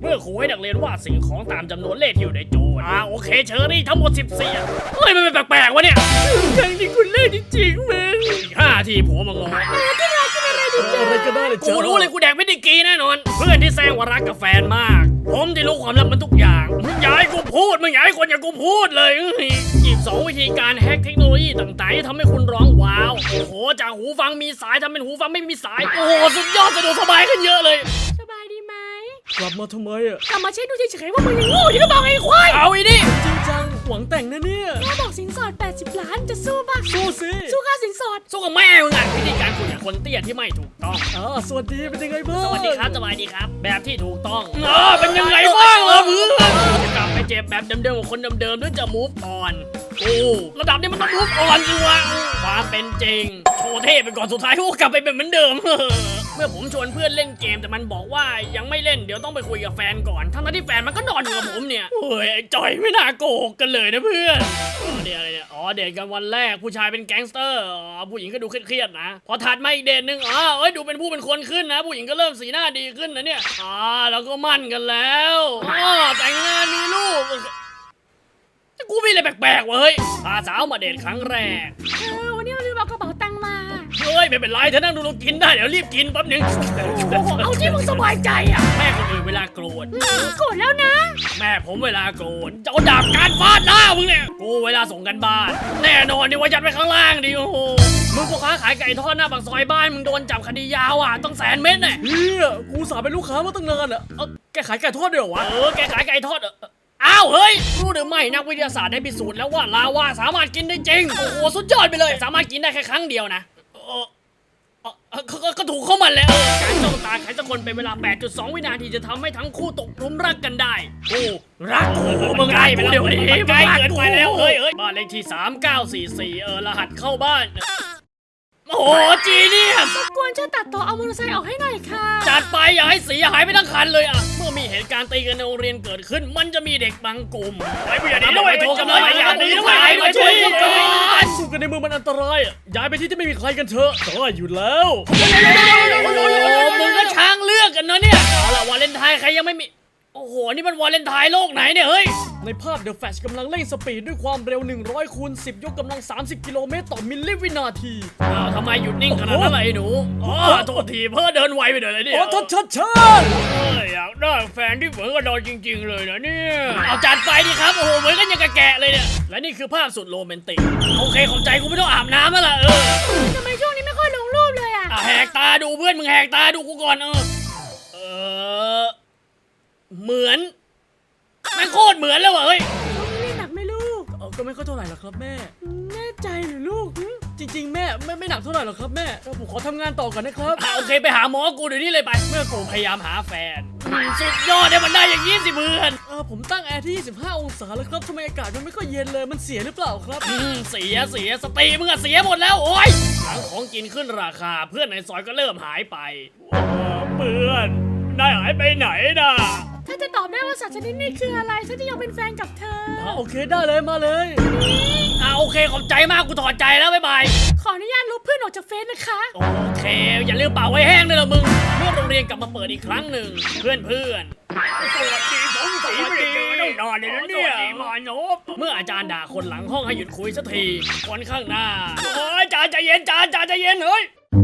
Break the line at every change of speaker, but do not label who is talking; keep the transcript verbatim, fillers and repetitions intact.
เมื่อครูให้นักเรียนวาดสิ่งของตามจำนวนเลขที่อยู่ในโจทย์อ่าโอเคเชอรี่ทั้งหมดสิบสี่เฮ้ยมันเป็นแปลกๆวะเนี่ยยังที่คุณเล่นจริงๆมึงอีกห้าทีผัวมางออะไรก็ได้เลยกูรู้เลยกูแดกไม่ได้กีแน่นอนเพื่อนที่แซงว่ารักกับแฟนมากผมที่รู้ความลับมันทุกอย่างมึงอย่าให้กูพูดมึงอย่าให้คนอย่างกูพูดเลยอีกสองวิธีการแฮกเทคโนโลยีต่างๆที่ทำให้คุณร้องว้าวโอ้โหจากหูฟังมีสายทำเป็นหูฟังไม่มีสายโอ้โหสุดยอดสะดวกสบายขึ้นเยอะเลย
สบายดีไหม
กลับมาทำไมอ่ะ
กลับมาเช็คดูเฉยๆว่ามึงยังโง่อยู่หรือเปล่าไอ้ควาย
เอาอีนี่จริงจังหวังแต่งนะเนี่ย
แม่บอกสินสอดแปดสิบล้านจะสู้ป่ะ
สู้สิ
สู้ค่าสินสอด
สู้กับแม่มึงอ่ะวิธีการคุยกับคนเตี้ยที่ไม่ถูกต้อง
อ๋อสวัสดีเป็นยังไงบ้าง
สวัสดีครับสวัสดีครับแบบที่ถูกต้องเออเป็นยังไงบ้างล่ะเพื่อนจะกลับไปเจ็บแบบเดิมๆของคนเดิมๆหรือจะ move on โอ้ระดับนี้มันต้อง move on สิวะความเป็นจริงโชว์เท่ไปก่อนสุดท้ายกูกลับไปเป็นเหมือนเดิมเมื่อผมชวนเพื่อนเล่นเกมแต่มันบอกว่ายังไม่เล่นเดี๋ยวต้องไปคุยกับแฟนก่อนทั้งที่แฟนมันก็นอนอยู่กับผมเนี่ยเฮ้ยไอ้จอยไม่น่าโกหกกันเลยนะเพื่อนเดี๋ยวอะไรเนี่ยอ๋อเดทกันวันแรกผู้ชายเป็นแก๊งสเตอร์อ๋อผู้หญิงก็ดูเครียดๆนะพอถัดมาอีกเดทนึงอ๋อเอ้ยดูเป็นผู้เป็นคนขึ้นนะผู้หญิงก็เริ่มสีหน้าดีขึ้นนะเนี่ยอ๋อแล้วก็มั่นกันแล้วอ๋อแต่งงานมีลูกกูมีอะไรแปลกๆเว้ยพาสาวมาเดทครั้งแรก
เออวันนี้เราลืมเอากระเป๋าตังค์มา
เฮ้ยไม่เป็นไรเธอนั่งดูเรากินได้เดี๋ยวรีบกินแป๊บนึง
เอาที่มึงสบายใจอ่ะ
แม่คนอื่นเวลาโกรธ
โกรธแล้วนะ
แม่ผมเวลาโกรธจะเอาดาบการฟาดหน้ามึงเนี่ยกูเวลาส่งกันบ้านแน่นอนดิว่ายัดไว้ข้างล่างดิโอ้โหมึงพ่อค้าขายไก่ทอดหน้าปากซอยบ้านมึงโดนจับคดียาวอ่ะต้องแสนเม็ดเนี่ย
เฮียกูสาเป็นลูกค้ามาตั้งนานอ่ะเออแกขายไก่ทอดด้วยเหรอวะ
เออแกขายไก่ทอดเอออ้าวเฮ้ยรู้หรือไม่นักวิทยาศาสตร์ได้พิสูจน์แล้วว่าลาวาสามารถกินได้จริงโอ้โหสุดยอดไปเลยสามารถกินได้แค่ครั้งเดียวนะเออก็ถูกเข้ามันแหละการจ้องตาใครสักคนเป็นเวลา แปดจุดสอง วินาทีจะทำให้ทั้งคู่ตกหลุมรักกันได้โอ้รักกูมึงใกล้ไปแล้วเดี๋ยวนี้ใกล้เกินไปแล้วเฮ้ยเฮ้ยบ้านเลขที่สามเก้าสี่สี่เออรหัสเข้าบ้านโอ้โหจีนี่
รบกวนช่วยตัดต่อเอามอเตอร์ไซค์ออกให้หน่อยค่ะ
จัดไปอย่าให้เสียหายไปทั้งคันเลยอ่ะเมื่อมีเหตุการณ์ตีกันในโรงเรียนเกิดขึ้นมันจะมีเด็กบางกลุ่มไอ้ผู้ใหญ่ด้วยโทรกันเลยอย่าดีด้วยมาช่วยกัน
สู้กันในเมืองมันอันตรายย้ายไปที่ที่ไม่มีใครกันเถอะได้อยู่แล้ว
มึงก็ช้างเลือกกันเนาะเนี่ยเอาล่ะวาเลนไทน์ใครยังไม่มีโอ้โหนี่มันวาเลนไทน์โลกไหนเนี่ยเฮ้ย
ในภาพ The Flash กำลังเร่งสปีดด้วยความเร็วหนึ่งร้อยคูณสิบยกกำลังสามสิบกิโลเมตรต่อมิลลิวินาที
อ้าวทำไมหยุดนิ่งขนาดนั้นล่ะไอ้หนูอ๋อโทษทีเพื่อเดินไวไปหน่อยเลยเนี่ย
โอ้ทัดชัดชัด
เฮ้ยอยากได้แฟนที่เหมือนกับเราจริงๆเลยนะเนี่ยเอาจัดไปดิครับโอ้โหเหมือนกันอย่างกะแกะเลยเนี่ยและนี่คือภาพสุดโรแมนติกโอเคขอบใจกูไม่ต้องอาบน้ำแล้วล่ะเออ
ทำไมช่วงนี้ไม่ค่อยลงรูปเลยอ่ะ
แหกตาดูเพื่อนมึงแหกตาดูกูก่อนเออเออเหมือนแม่งโคตรเหมือนเลยว่ะเฮ้ย
นี่หนักไหมลูก
เออก็ไม่ค่อยเท่าไหร่หรอกครับแม่
แน่ใจหรือลูก
จริงๆแม่ไม่ไม่หนักเท่าไหร่หรอกครับแม่ผมขอทำงานต่อก่อนนะครับ
โอเคไปหาหมอกูเดี๋ยวนี้เลยไปเมื่อกูพยายามหาแฟนสุดยอดเนี่ยมันได้อย่างนี้สิเพื่อน
เออผมตั้งแอร์ที่ยี่สิบห้าองศาแล้วครับทำไมอากาศมันไม่ค่อยเย็นเลยมันเสียหรือเปล่าครับ
เสียเสียสติมึงอะเสียหมดแล้วโอ้ยหลังของกินขึ้นราคาเพื่อนในซอยก็เริ่มหายไปเพื่อนได้หายไปไหนน่ะ
ถ้าจะตอบได้ว่าสัตว์ชนิดนี้คืออะไรฉันจะยอมเป็นแฟนกับเธอ
อ่าโอเคได้เลยมาเลย
อ่าโอเคขอบใจมากกูถอดใจแล้วบ๊ายบาย
ขออนุญาตลบเพื่อนออกจากเฟซนะคะ
โอเคอย่าลืมเป่าไว้แห้งด้วยล่ะมึงเมื่อโรงเรียนกลับมาเปิดอีกครั้งหนึ่งเพื่อนเพื่อนสวัสดีผมสีไม่ได้เจอตั้งนานเลยนะเนี่ยมาโนบเมื่ออาจารย์ด่าคนหลังห้องให้หยุดคุยสักทีคนข้างหน้าโอ้ยจ่าใจเย็นจ่าจ่าใจเย็นเฮ้ย